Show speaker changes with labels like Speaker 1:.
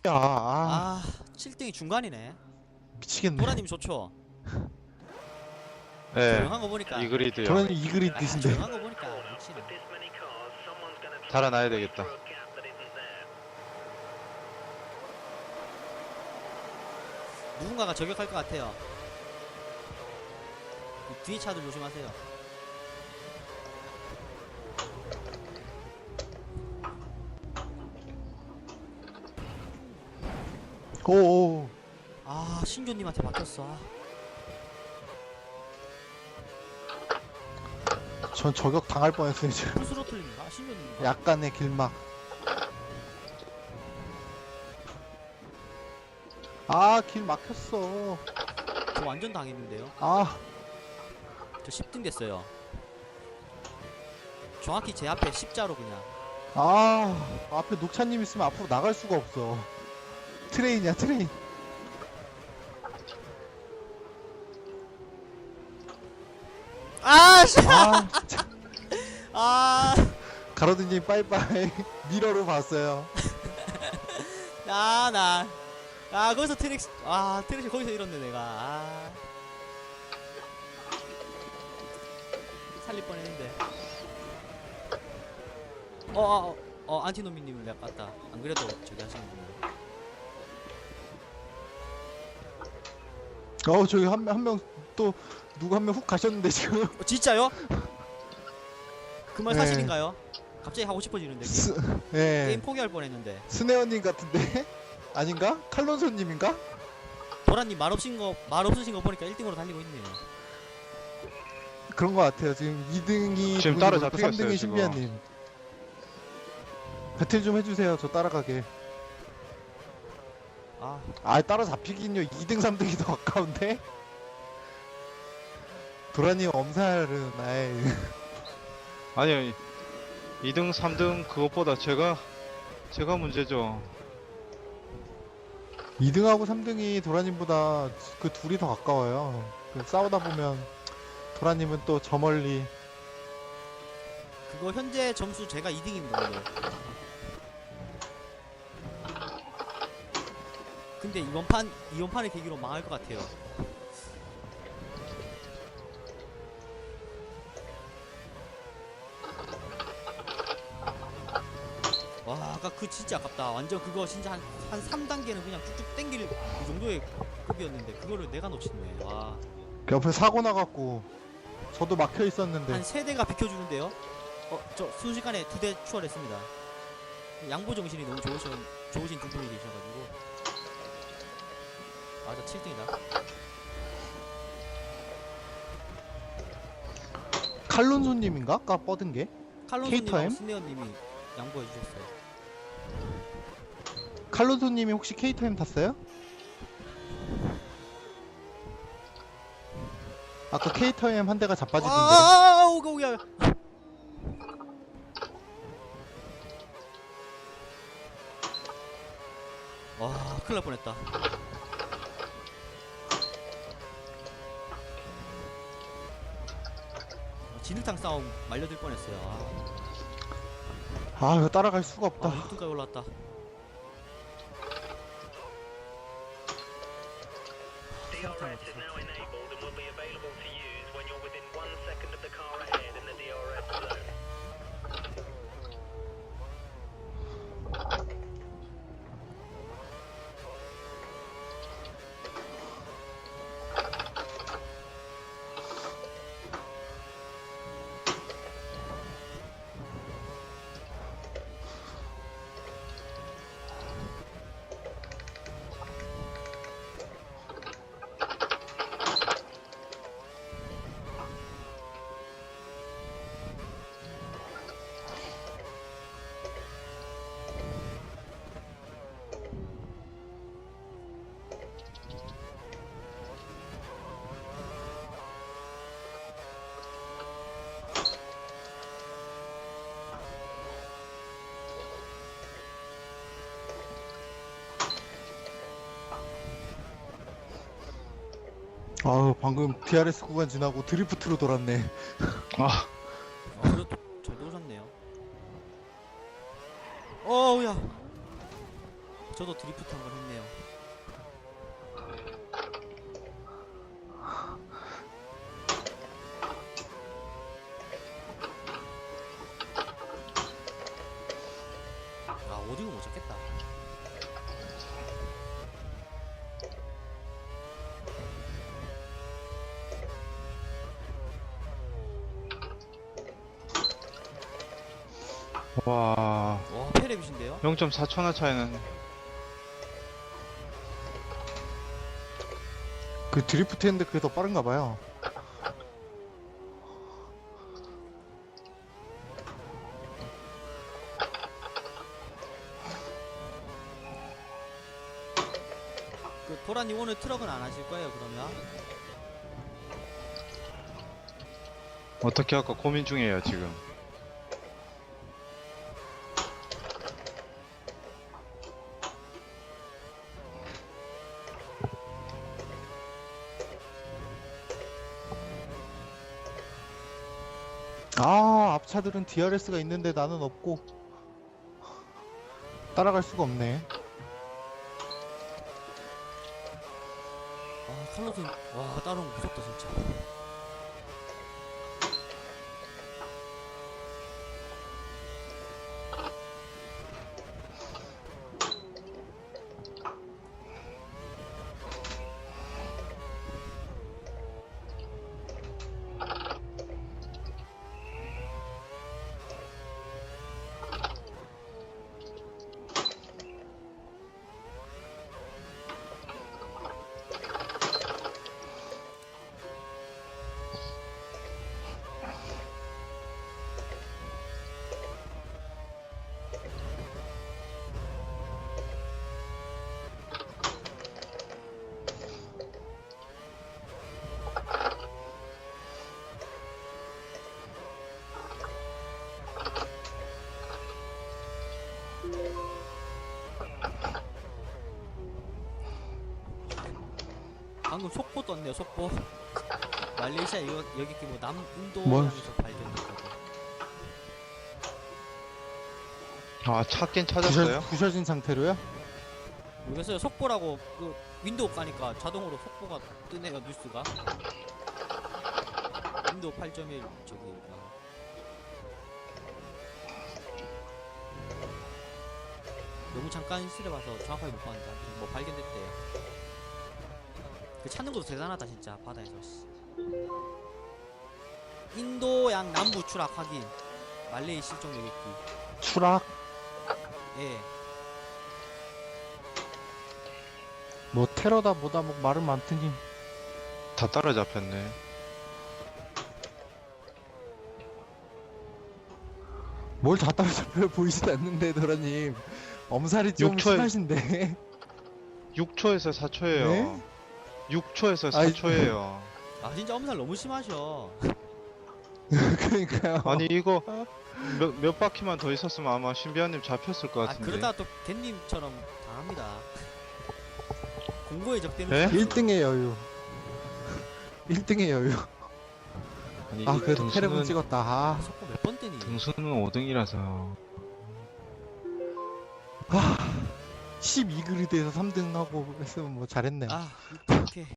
Speaker 1: 아,
Speaker 2: 7등이 중간이네.
Speaker 1: 미치겠네.
Speaker 2: 도라님 좋죠?
Speaker 3: 네,
Speaker 2: 조용한 거 보니까.
Speaker 3: 이그리드요.
Speaker 1: 저는 이 그리 뜻인데.
Speaker 2: 조용한 거 보니까 역시나.
Speaker 3: 달아나야 되겠다.
Speaker 2: 누군가가 저격할 것 같아요. 뒤에 차들 조심하세요.
Speaker 1: 오오.
Speaker 2: 신조님한테 막혔어.
Speaker 1: 전 저격 당할 뻔했어요 지금.
Speaker 2: 풀스로틀인가? 신조님인가?
Speaker 1: 약간의 길막. 길 막혔어.
Speaker 2: 저 완전 당했는데요. 저 10등 됐어요. 정확히 제 앞에 십자로 그냥.
Speaker 1: 앞에 녹차님 있으면 앞으로 나갈 수가 없어. 트레인이야 트레인. 진짜. 가로드님 빠이빠이. 미러로 봤어요.
Speaker 2: 거기서 트랙시, 트랙시 거기서 잃었네, 내가. 살릴 뻔 했는데. 안티노미님을 내가 깠다. 안 그래도 저기 하시는 분이에요.
Speaker 1: 저기 한 명 또 누구 한 명 훅 가셨는데 지금.
Speaker 2: 진짜요? 그 말
Speaker 1: 네.
Speaker 2: 사실인가요? 갑자기 하고 싶어지는데.
Speaker 1: 예.
Speaker 2: 게임 포기할 뻔 했는데.
Speaker 1: 스네어님 같은데? 아닌가? 칼론소님인가?
Speaker 2: 도라님 말 없으신 거 보니까 1등으로 달리고 있네요.
Speaker 1: 그런 거 같아요. 지금 2등이
Speaker 3: 지금 따라잡히겠어요,
Speaker 1: 3등이
Speaker 3: 지금.
Speaker 1: 신비아님. 배틀 좀 해주세요. 저 따라가게. 따라잡히긴요. 2등 3등이 더 가까운데? 도라님 엄살은
Speaker 3: 아니요, 2등, 3등 그것보다 제가 문제죠.
Speaker 1: 2등하고 3등이 도라님보다 그 둘이 더 가까워요. 싸우다 보면 도라님은 또 저 멀리.
Speaker 2: 그거 현재 점수 제가 2등입니다, 오늘. 근데 이번 판을 계기로 망할 것 같아요. 아까 그 진짜 아깝다. 완전 그거 진짜 한 3단계는 그냥 쭉쭉 땡길 그 정도의 급이었는데 그거를 내가 놓쳤네.
Speaker 1: 옆에 사고 나갖고 저도 막혀 있었는데.
Speaker 2: 한 3대가 비켜주는데요. 저 순식간에 2대 추월했습니다. 양보 정신이 너무 좋으신 두 분이 계셔가지고. 저 7등이다.
Speaker 1: 칼론소님인가? 아까 뻗은 게?
Speaker 2: 칼론소님하고
Speaker 1: K-타임?
Speaker 2: 스네어님이 양보해주셨어요.
Speaker 1: 칼론소님이 혹시 K타임 탔어요? 아까 K타임 한 대가 자빠지던데.
Speaker 2: 오야. 큰일 날 뻔했다. 진흙탕 싸움 말려들 뻔했어요.
Speaker 1: 이거 따라갈 수가 없다.
Speaker 2: 6등까지 올라왔다.
Speaker 4: DRS is now enabled and will be available to use when you're within 1 second of the car ahead in the DRS zone.
Speaker 1: 방금 DRS 구간 지나고 드리프트로 돌았네.
Speaker 2: 그래도 잘 도셨네요. 어우야. 저도 드리프트 한번 했네요. 아 오디오 못 잡겠다.
Speaker 3: 와,
Speaker 2: 와 페레빗인데요?
Speaker 3: 0.4초나 차이는.
Speaker 1: 그 드리프트 했는데 그게 더 빠른가 봐요.
Speaker 2: 그 도라님 오늘 트럭은 안 하실 거예요 그러면?
Speaker 3: 어떻게 할까 고민 중이에요, 지금.
Speaker 1: 아, 앞차들은 DRS가 있는데 나는 없고 따라갈 수가 없네.
Speaker 2: 아 칼로스 와 따라온 거 무섭다 진짜. 방금 속보 떴네요 속보. 말레이시아 이거 여기 뭐 남인도
Speaker 1: 뭔
Speaker 2: 향에서 발견됐다고.
Speaker 3: 아, 찾긴 찾았어요?
Speaker 1: 부셔진 상태로요?
Speaker 2: 모르겠어요. 속보라고 그 윈도우 까니까 자동으로 속보가 뜨네요 뉴스가. 윈도우 8.1 저기가. 너무 잠깐 있으려봐서 정확하게 못 봤는데 아무튼 뭐 발견됐대요. 그 찾는 것도 대단하다 진짜 바다에서. 인도양 남부 추락 확인. 말레이 실종 여객기.
Speaker 1: 추락?
Speaker 2: 예.
Speaker 1: 뭐 테러다 뭐다 뭐 말은 많더니
Speaker 3: 다 따라잡혔네.
Speaker 1: 뭘 다 따라잡혀요. 보이지도 않는데 도라님 엄살이 좀
Speaker 3: 6초에
Speaker 1: 심하신데.
Speaker 3: 6초에서 4초예요.
Speaker 1: 네?
Speaker 3: 6초에서
Speaker 1: 아이,
Speaker 3: 4초예요.
Speaker 2: 아 진짜 엄살 너무 심하셔.
Speaker 1: 그러니까요.
Speaker 3: 아니 이거 몇 바퀴만 더 있었으면 아마 신비한님 잡혔을 것
Speaker 2: 아
Speaker 3: 같은데.
Speaker 2: 그러다 또 겐님처럼 당합니다. 공고에 적대는
Speaker 3: 네?
Speaker 1: 1등의 여유. 1등의 여유.
Speaker 3: 아니,
Speaker 1: 아 그래도
Speaker 3: 등수는-
Speaker 1: 테레본 찍었다. 아,
Speaker 2: 속보 몇 번 뜨니?
Speaker 3: 등수는 5등이라서.
Speaker 1: 12그리드에서 3등 하고 했으면 뭐 잘했네.
Speaker 2: 아 오케이.